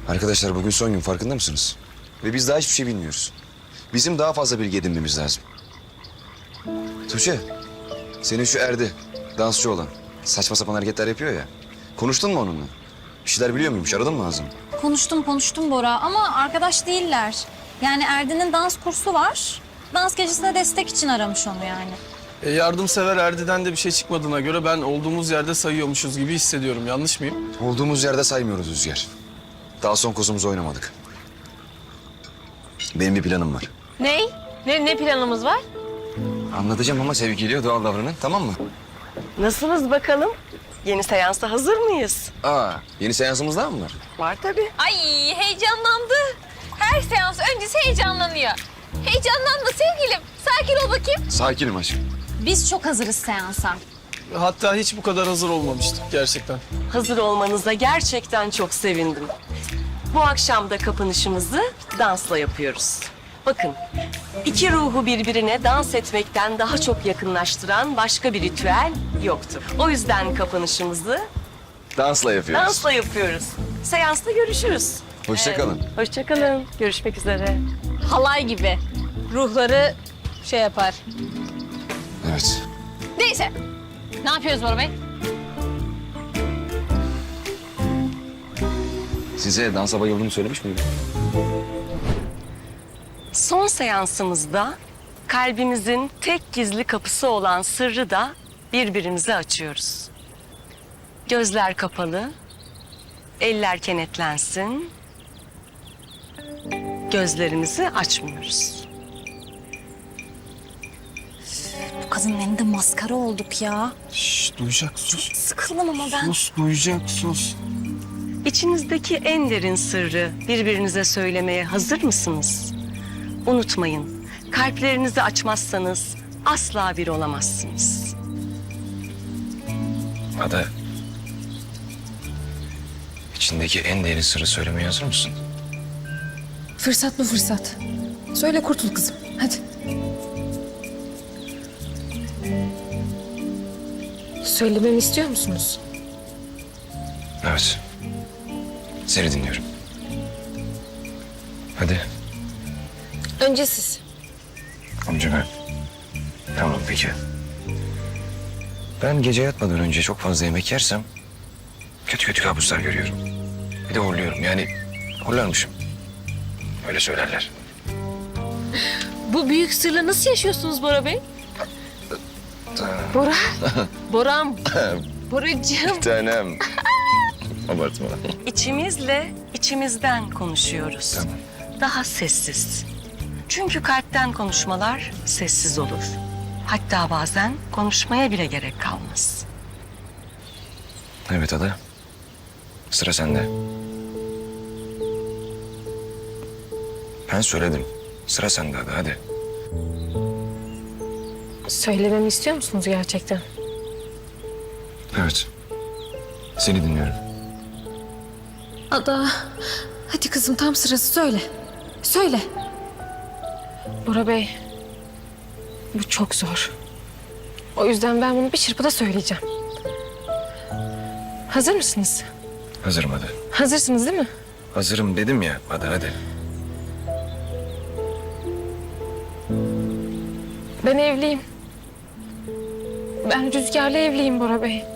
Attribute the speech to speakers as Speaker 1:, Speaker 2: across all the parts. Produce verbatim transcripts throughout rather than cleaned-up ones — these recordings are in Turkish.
Speaker 1: Arkadaşlar bugün son gün, farkında mısınız? Ve biz daha hiçbir şey bilmiyoruz. Bizim daha fazla bilgi edinmemiz lazım. Tuğçe, senin şu Erdi, dansçı olan, saçma sapan hareketler yapıyor ya. Konuştun mu onunla? Bir şeyler biliyor muymuş, aradın mı ağzını?
Speaker 2: Konuştum konuştum Bora ama arkadaş değiller. Yani Erdi'nin dans kursu var. Dans gecesine destek için aramış onu yani.
Speaker 3: E, yardımsever Erdi'den de bir şey çıkmadığına göre ben olduğumuz yerde sayıyormuşuz gibi hissediyorum. Yanlış mıyım?
Speaker 1: Olduğumuz yerde saymıyoruz Rüzgar. Daha son kozumuzu oynamadık. Benim bir planım var.
Speaker 4: Ney? Ne, ne planımız var?
Speaker 1: Anlatacağım ama sevgiliye doğal davranın, tamam mı?
Speaker 5: Nasılsınız bakalım? Yeni seansa hazır mıyız?
Speaker 1: Aa, yeni seansımız daha mı var?
Speaker 5: Var tabii.
Speaker 4: Ay heyecanlandı. Her seans öncesi heyecanlanıyor. Heyecanlanma sevgilim. Sakin ol bakayım.
Speaker 1: Sakinim aşkım.
Speaker 2: Biz çok hazırız seansa.
Speaker 3: Hatta hiç bu kadar hazır olmamıştık gerçekten.
Speaker 5: Hazır olmanıza gerçekten çok sevindim. Bu akşam da kapanışımızı dansla yapıyoruz. Bakın, iki ruhu birbirine dans etmekten daha çok yakınlaştıran başka bir ritüel yoktur. O yüzden kapanışımızı
Speaker 1: Dansla yapıyoruz.
Speaker 5: dansla yapıyoruz. Seansta görüşürüz.
Speaker 1: Hoşça kalın.
Speaker 5: Hoşça kalın. Görüşmek üzere.
Speaker 4: Halay gibi. Ruhları şey yapar.
Speaker 1: Evet.
Speaker 4: Neyse. Ne yapıyoruz Bora Bey?
Speaker 1: Size dansa bayıldığımı söylemiş miydim?
Speaker 5: Son seansımızda kalbimizin tek gizli kapısı olan sırrı da birbirimize açıyoruz. Gözler kapalı, eller kenetlensin. Gözlerimizi açmıyoruz.
Speaker 2: Bu kadının elinde maskara olduk ya.
Speaker 3: Şşş, duyacak sus.
Speaker 2: Sıkıldım ama ben.
Speaker 3: Sus, duyacak sus.
Speaker 5: İçinizdeki en derin sırrı birbirinize söylemeye hazır mısınız? Unutmayın, kalplerinizi açmazsanız asla bir olamazsınız.
Speaker 1: Ada. İçindeki en derin sırrı söylemeye hazır mısın?
Speaker 6: Fırsat bu fırsat. Söyle kurtul kızım. Hadi. Söylememi istiyor musunuz?
Speaker 1: Evet. Seni dinliyorum. Hadi.
Speaker 6: Önce siz.
Speaker 1: Amca ben. Tamam peki. Ben gece yatmadan önce çok fazla yemek yersem kötü kötü kabuslar görüyorum. Bir de horluyorum, yani horlarmışım. Öyle söylerler.
Speaker 4: Bu büyük sırla nasıl yaşıyorsunuz Bora Bey? Bora. Boram. Boracığım.
Speaker 1: Tanem. Abartma.
Speaker 5: İçimizle içimizden konuşuyoruz.
Speaker 1: Tamam.
Speaker 5: Daha sessiz. Çünkü kalpten konuşmalar sessiz olur. Hatta bazen konuşmaya bile gerek kalmaz.
Speaker 1: Evet Ada. Sıra sende. Ben söyledim. Sıra sende Ada, hadi.
Speaker 6: Söylememi istiyor musunuz gerçekten?
Speaker 1: Evet. Seni dinliyorum.
Speaker 6: Ada. Hadi kızım tam sırası söyle. Söyle. Bora Bey. Bu çok zor. O yüzden ben bunu bir çırpıda söyleyeceğim. Hazır mısınız?
Speaker 1: Hazırım Ada.
Speaker 6: Hazırsınız değil mi?
Speaker 1: Hazırım dedim ya Ada, hadi.
Speaker 6: Ben evliyim. Ben Rüzgar'la evliyim Bora Bey.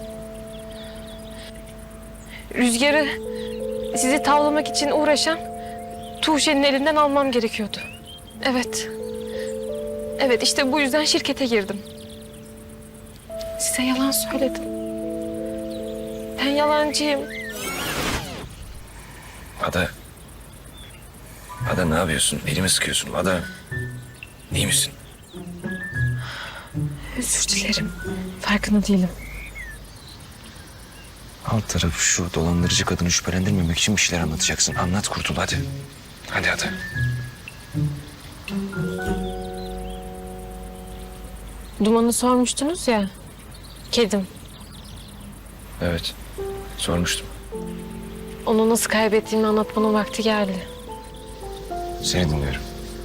Speaker 6: Rüzgar'ı sizi tavlamak için uğraşan Tuğçe'nin elinden almam gerekiyordu. Evet. Evet işte bu yüzden şirkete girdim. Size yalan söyledim. Ben yalancıyım.
Speaker 1: Ada. Ada ne yapıyorsun? Elimi sıkıyorsun. Ada. İyi misin?
Speaker 6: Özür dilerim. Farkında değilim.
Speaker 1: Alt tarafı şu dolandırıcı kadını şüphelendirmemek için bir şeyler anlatacaksın. Anlat, kurtul hadi. Hadi hadi.
Speaker 6: Duman'ı sormuştunuz ya. Kedim.
Speaker 1: Evet. Sormuştum.
Speaker 6: Onu nasıl kaybettiğimi anlatmanın vakti geldi.
Speaker 1: Seni dinliyorum.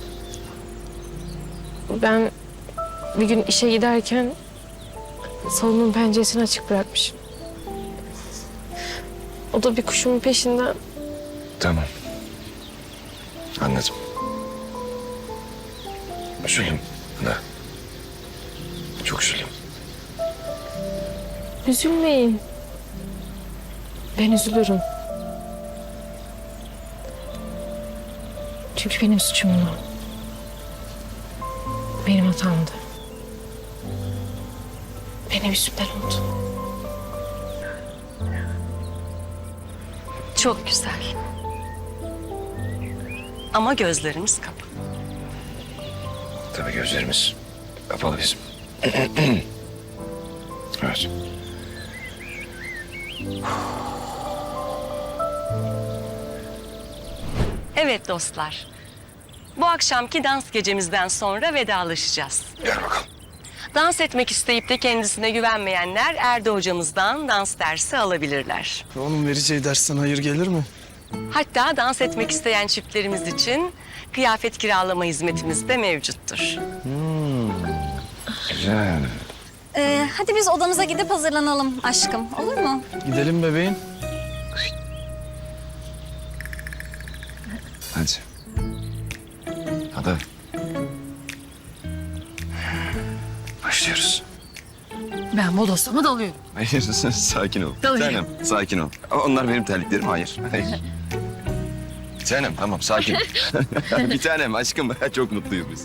Speaker 6: Ben bir gün işe giderken salonun penceresini açık bırakmışım. O da bir kuşumun peşinden
Speaker 1: Tamam. Anladım. Üzüldüm. Da. Çok üzüldüm.
Speaker 6: Üzülmeyin. Ben üzülürüm. Çünkü benim suçumdu. Benim hatamdı. Benim yüzümden oldu.
Speaker 5: Çok güzel. Ama gözlerimiz kapalı.
Speaker 1: Tabii gözlerimiz kapalı bizim. Evet.
Speaker 5: Evet dostlar. Bu akşamki dans gecemizden sonra vedalaşacağız.
Speaker 1: Gel bakalım.
Speaker 5: Dans etmek isteyip de kendisine güvenmeyenler Erdi hocamızdan dans dersi alabilirler.
Speaker 3: Onun vereceği dersten hayır gelir mi?
Speaker 5: Hatta dans etmek isteyen çiftlerimiz için kıyafet kiralama hizmetimiz de mevcuttur.
Speaker 1: Güzel.
Speaker 2: Ee, hadi biz odamıza gidip hazırlanalım aşkım. Olur mu?
Speaker 3: Gidelim bebeğim.
Speaker 1: Hadi. Hadi. Başlıyoruz.
Speaker 6: Ben bodoslama dalıyorum.
Speaker 1: Hayır, sakin ol.
Speaker 6: Dalıyorum.
Speaker 1: Tanem, sakin ol. Onlar benim terliklerim, hayır. Hayır. Bir tanem, tamam, sakin. Bir tanem, aşkım. Çok mutluyuz biz.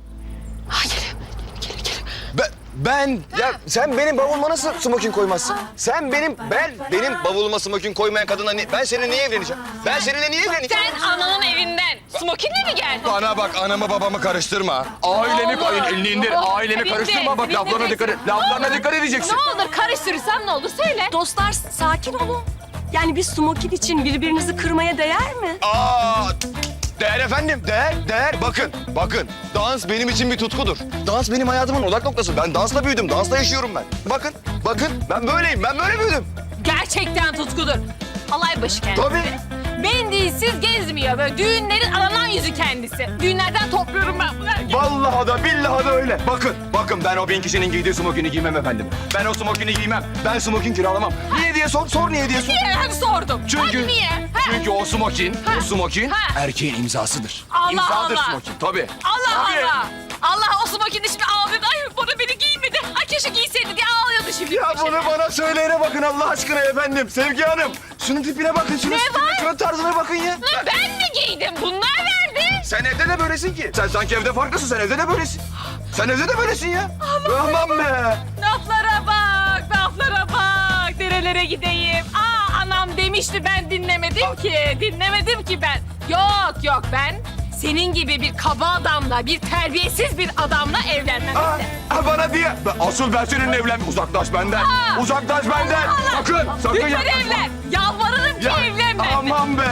Speaker 1: Ben, ben, ya sen benim bavuluma nasıl smokin koymazsın? Sen benim, ben, benim bavuluma smokin koymayan kadınla ni- ben seninle niye evleneceğim? Ben seninle niye evleneceğim?
Speaker 4: Sen ananın evinden smokinle mi geldin?
Speaker 1: Bana bak, anamı babamı karıştırma. Ailemi,
Speaker 4: Allah!
Speaker 1: ay, elini indir. Ailemi
Speaker 4: Bitti,
Speaker 1: karıştırma. Bak,
Speaker 4: bitti,
Speaker 1: laflarına
Speaker 4: bitti.
Speaker 1: dikkat et. Laflarına dikkat edeceksin.
Speaker 4: Ne olur karıştırırsam ne olur söyle.
Speaker 5: Dostlar sakin olun. Yani bir smokin için birbirinizi kırmaya değer mi?
Speaker 1: Aa, değer efendim, değer, değer. Bakın, bakın. Dans benim için bir tutkudur. Dans benim hayatımın odak noktası. Ben dansla büyüdüm, dansla yaşıyorum ben. Bakın, bakın. Ben böyleyim, ben böyle büyüdüm.
Speaker 4: Gerçekten tutkudur. Alay başı kendisi.
Speaker 1: Tabii.
Speaker 4: Mendilsiz gezmiyor böyle düğünlerin aranan yüzü kendisi. Düğünlerden topluyorum ben bunu.
Speaker 1: Vallahi da billahi da öyle. Bakın, bakın ben o bin kişinin giydiği smokini giymem efendim. Ben o smokini giymem. Ben smokin kiralamam. Niye diye sor, sor niye diye sor.
Speaker 4: Niye? Hadi sordum.
Speaker 1: Çünkü,
Speaker 4: Hadi niye? Ha?
Speaker 1: çünkü o smokin,
Speaker 4: Ha.
Speaker 1: o smokin
Speaker 4: Ha.
Speaker 1: erkeğin imzasıdır.
Speaker 4: Allah
Speaker 1: İmzadır
Speaker 4: Allah.
Speaker 1: smokin, tabii.
Speaker 4: Allah
Speaker 1: Tabii.
Speaker 4: Allah. Allah o smokini şimdi ağlıyordu. Ay bana beni giymedi. Ay keşke giyseydi diye ağlıyordu şimdi.
Speaker 1: Ya bunu bana söyleyene bakın Allah aşkına efendim. Sevgi Hanım. Şunun tipine bakın, şunun
Speaker 4: Ne
Speaker 1: tipine,
Speaker 4: var?
Speaker 1: şunun tarzına bakın ya.
Speaker 4: Lan ben mi giydim? Bunlar verdi.
Speaker 1: Sen evde de böylesin ki. Sen sanki evde farklısın, sen evde de böylesin. Sen evde de böylesin ya. Aman be.
Speaker 4: Laflara bak, laflara bak. Nerelere gideyim? Aa anam demişti ben dinlemedim ki. Dinlemedim ki ben. Yok yok ben senin gibi bir kaba adamla, bir terbiyesiz bir adamla evlenmem.
Speaker 1: Aa, aa, bana diye. Ben- Asıl ben seninle evlen. Uzaklaş benden.
Speaker 4: Aa.
Speaker 1: Uzaklaş benden. Sakın, sakın
Speaker 4: Lütfen
Speaker 1: yaklaşma.
Speaker 4: evlen. Yalvarırım ki
Speaker 1: Ya,
Speaker 4: evlen benimle.
Speaker 1: aman be.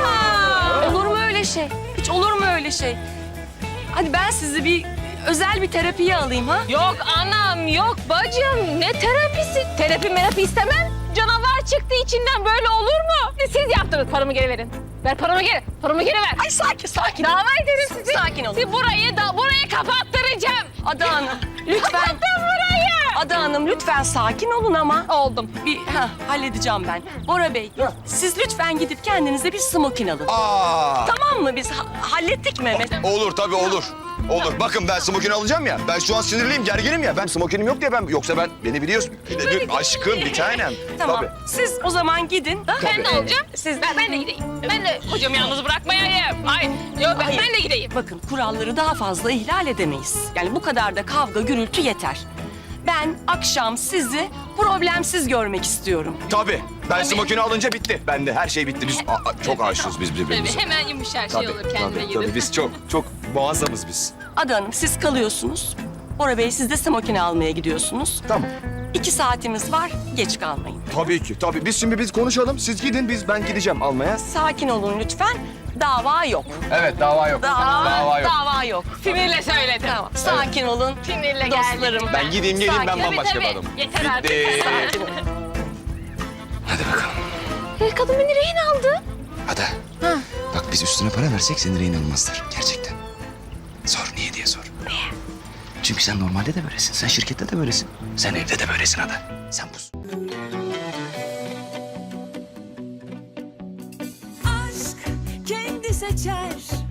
Speaker 4: Aa.
Speaker 5: Olur mu öyle şey? Hiç olur mu öyle şey? Hadi ben sizi bir özel bir terapiye alayım ha?
Speaker 4: Yok anam, yok bacım. Ne terapisi? Terapi merapi istemem. Canavar çıktı içinden böyle olur mu? Siz yaptınız, paramı geri verin. Ver paramı geri, paramı geri ver.
Speaker 5: Ay sakin sakin.
Speaker 4: Dava ederim sizi.
Speaker 5: Sakin olun.
Speaker 4: Sizi burayı da burayı kapattıracağım.
Speaker 5: Ada Hanım lütfen.
Speaker 4: Kapattım burayı.
Speaker 5: Ada Hanım lütfen sakin olun ama.
Speaker 4: Oldum.
Speaker 5: Bir ha, halledeceğim ben. Bora Bey siz lütfen gidip kendinize bir smokin alın.
Speaker 1: Aa.
Speaker 5: Tamam mı biz ha- hallettik Mehmet?
Speaker 1: Olur tabii olur. Olur. Bakın ben smokin alacağım ya. Ben şu an sinirliyim, gerginim ya. Ben smokinim yok diye ben... Yoksa ben beni biliyorsun. Bir aşkım, bir tanem.
Speaker 5: Tamam.
Speaker 1: Tabii.
Speaker 5: Siz o zaman gidin.
Speaker 4: Ben de olacağım. Siz ben, ben de gideyim. Ben de kocamı yalnız bırakmayayım. Ay yok ben,
Speaker 5: Hayır.
Speaker 4: ben de gideyim.
Speaker 5: Bakın kuralları daha fazla ihlal edemeyiz. Yani bu kadar da kavga gürültü yeter. Ben akşam sizi problemsiz görmek istiyorum.
Speaker 1: Tabii. Ben smokini alınca bitti. Ben de her şey bitti. Biz a- a- çok aşığız biz birbirimize.
Speaker 4: Tabii hemen yumuşar şey
Speaker 1: Tabii,
Speaker 4: olur kendine
Speaker 1: tabii,
Speaker 4: gelir.
Speaker 1: tabii. Biz çok, çok muazzamız biz.
Speaker 5: Ada Hanım siz kalıyorsunuz. Bora Bey siz de smokini almaya gidiyorsunuz.
Speaker 1: Tamam.
Speaker 5: İki saatimiz var, geç kalmayın.
Speaker 1: Tabii ki, tabii. Biz şimdi biz konuşalım. Siz gidin, biz ben gideceğim almaya.
Speaker 5: Sakin olun lütfen. Dava yok.
Speaker 1: Evet, dava yok.
Speaker 5: Dava,
Speaker 1: Dava yok.
Speaker 5: dava yok.
Speaker 4: Sinirle söyledim.
Speaker 5: Tamam, sakin olun.
Speaker 4: Sinirle
Speaker 5: Dostlarım.
Speaker 4: geldim.
Speaker 1: Ben gideyim geleyim, ben
Speaker 5: Sakin.
Speaker 1: bambaşka
Speaker 4: Tabii,
Speaker 1: bir
Speaker 4: tabii.
Speaker 1: adamım.
Speaker 4: Yeter artık.
Speaker 1: Bitti.
Speaker 5: Sakin olun.
Speaker 1: Hadi bakalım.
Speaker 4: E, kadın beni rehin aldı.
Speaker 1: Ada. Bak biz üstüne para versek seni rehin almazlar. Gerçekten. Sor niye diye sor. Niye? Çünkü sen normalde de böylesin. Sen şirkette de böylesin. Sen evde de böylesin Ada. Sen buz.
Speaker 7: Aşk seçer